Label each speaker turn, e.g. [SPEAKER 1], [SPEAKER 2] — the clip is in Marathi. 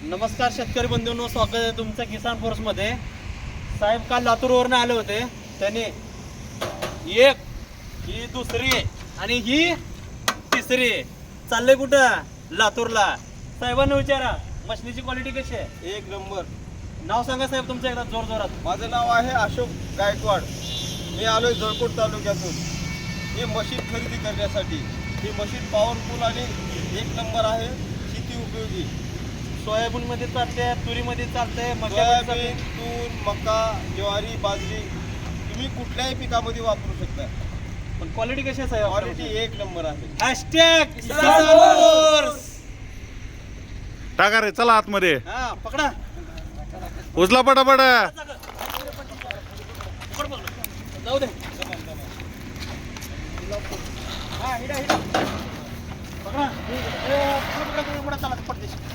[SPEAKER 1] नमस्कार शेतकरी बंधूंनो, स्वागत आहे तुमचं किसान फोर्स मध्ये। साहेब काल लातूरवरून आले होते। त्यांनी एक ही दुसरी आणि ही तिसरी चालले कुठं? लातूरला। साहेबांना विचारा मशीनीची क्वालिटी कशी आहे?
[SPEAKER 2] एक नंबर।
[SPEAKER 1] नाव सांगा साहेब तुमचं एकदा जोर जोरात।
[SPEAKER 2] माझं नाव आहे अशोक गायकवाड। मी आलोय जळकोट तालुक्यातून ही मशीन खरेदी करण्यासाठी। ही मशीन पॉवरफुल आणि एक नंबर आहे, शेती उपयोगी।
[SPEAKER 1] सोयाबीन मध्ये चालते, तुरी मध्ये चालते,
[SPEAKER 2] सोयाबीन, तूर, मका, ज्वारी, बाजरी तुम्ही कुठल्याही पिकामध्ये वापरू शकता।
[SPEAKER 1] पण क्वालिटी कशी आहे साहेब?
[SPEAKER 2] क्वालिटी एक नंबर आहे।
[SPEAKER 1] Hashtag Kisan force.
[SPEAKER 3] टाका रे, चला आतमध्ये,
[SPEAKER 1] हा पकडा,
[SPEAKER 3] उचला पटापट।
[SPEAKER 1] जाऊ दे। हा हिडा हिडा पकडा, पकडा चला पटदेश।